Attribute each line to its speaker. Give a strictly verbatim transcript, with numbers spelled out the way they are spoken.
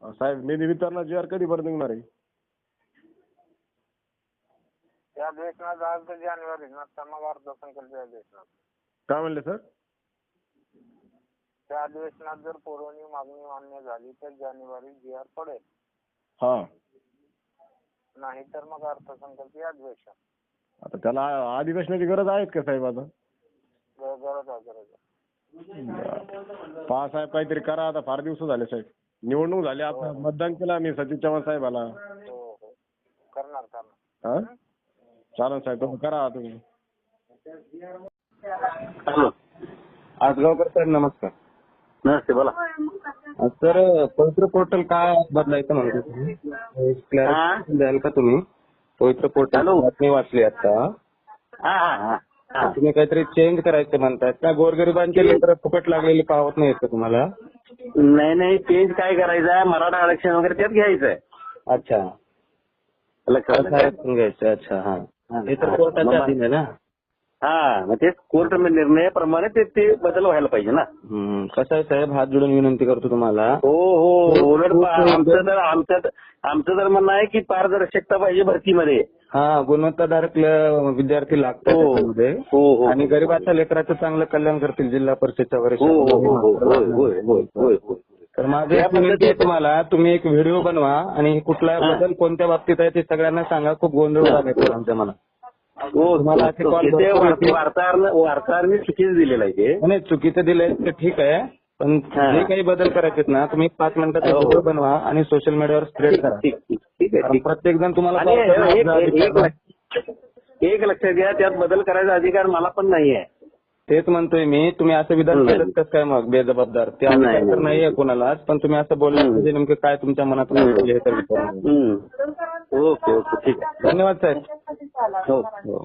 Speaker 1: साहेब निधी वितरणा जी आर कधीपर्यंत निघणार आहे?
Speaker 2: त्या अधिवेशनात आज तर जानेवारी नंतर मग अर्थसंकल्पीय अधिवेशनात.
Speaker 1: काय म्हणले सर?
Speaker 2: त्या अधिवेशनात जर पुरवणी मागणी मान्य झाली तर जानेवारी जी आर पडेल.
Speaker 1: हा,
Speaker 2: नाही तर मग अर्थसंकल्पीय अधिवेशन.
Speaker 1: आता त्याला अधिवेशनाची गरज आहे का साहेब आता?
Speaker 2: ग- गरज आहे गरज आहे.
Speaker 1: पहा साहेब काहीतरी करा आता, फार दिवस झाले साहेब. निवडणूक झाली, आता मतदान केलं आम्ही सचिन चव्हाण साहेबाला.
Speaker 2: हो हो करणार करणार.
Speaker 1: हा चालेल साहेब, तुम्ही करा तुम्ही.
Speaker 3: हॅलो,
Speaker 4: आजगावकर सर नमस्कार.
Speaker 3: नमस्ते, बोला.
Speaker 4: सर पवित्र पोर्टल का बदलायचं म्हणतो तुम्ही? क्लॅरिफिकेशन द्याल का तुम्ही? पवित्र पोर्टल
Speaker 3: हॅलो.
Speaker 4: बातमी वाचली आता.
Speaker 3: हा हा हा हा.
Speaker 4: तुम्ही काहीतरी चेंज करायचं म्हणतायत का? गोरगरिबांचे लेकर फुकट लागलेली पावत नाहीत का तुम्हाला?
Speaker 3: नाही नाही, चेंज काय करायचं आहे, मराठा आरक्षण वगैरे त्यात घ्यायचं आहे.
Speaker 4: अच्छा,
Speaker 3: लक्षात आलं.
Speaker 4: आरक्षण घ्यायचं. अच्छा, हा. हे तर कोर्टाच्या अधीन आहे ना.
Speaker 3: हा, मग ते कोर्ट निर्णयाप्रमाणे ते ते बदल व्हायला पाहिजे ना.
Speaker 4: हम्म. कसं आहे साहेब, हात जोडून विनंती करतो तुम्हाला.
Speaker 3: हो हो, उलट पा- आमचं तर आमचं आमचं तर म्हणणं आहे की पारदर्शकता पाहिजे भरतीमध्ये.
Speaker 4: हा, गुणवत्ताधारक ल- विद्यार्थी लागतात
Speaker 3: हो
Speaker 4: त्याच्यामध्ये.
Speaker 3: हो हो
Speaker 4: आणि गरिबाच्या लेकराचं चांगलं कल्याण करतील जिल्हा परिषदच्या
Speaker 3: हो हो हो हो होय होय होय होय होय.
Speaker 4: तर माझं एक विनंती आहे तुम्हाला, तुम्ही एक व्हिडिओ बनवा आणि कुठला बदल कोणत्या बाबतीत आहे ते सगळ्यांना सांगा. खूप गोंधळ झाला आमच्या मनात.
Speaker 3: हो,
Speaker 4: तुम्हाला असे कॉल
Speaker 3: ते
Speaker 4: भरपूर येतील.
Speaker 3: वार्ताहर वार्ताहरने चुकीचं दिलेलं आहे ते.
Speaker 4: नाही, चुकीचं दिलंय ते ठीक आहे, पण
Speaker 3: हा.
Speaker 4: जे काही बदल करायचे ना, तुम्ही पाच मिनिटाचा
Speaker 3: हो.
Speaker 4: व्हिडिओ बनवा आणि सोशल मीडियावर स्प्रेड करा.
Speaker 3: ठीक ठीक ठीक आहे
Speaker 4: कारण
Speaker 3: ठीक.
Speaker 4: प्रत्येक जण तुम्हाला
Speaker 3: आणि
Speaker 4: call
Speaker 3: एक-
Speaker 4: करणार,
Speaker 3: एक-
Speaker 4: अधिकार
Speaker 3: एक लक्ष- एक लक्षात घ्या, त्यात बदल करायचा अधिकार मला पण नाही आहे.
Speaker 4: तेच म्हणतोय मी. तुम्ही असं विधान
Speaker 3: नाही.
Speaker 4: केलं कसं काय मग बेजबाबदार? ते
Speaker 3: नाही,
Speaker 4: अधिकार तर
Speaker 3: नाही.
Speaker 4: नाहीये कोणालाच, पण तुम्ही असं बोललं म्हणजे नेमकं काय तुमच्या मनात
Speaker 3: हम्म.
Speaker 4: हे तर विचारून.
Speaker 3: हम्म. ओके ओके ठीक आहे.
Speaker 4: धन्यवाद साहेब.
Speaker 3: हो
Speaker 4: हो.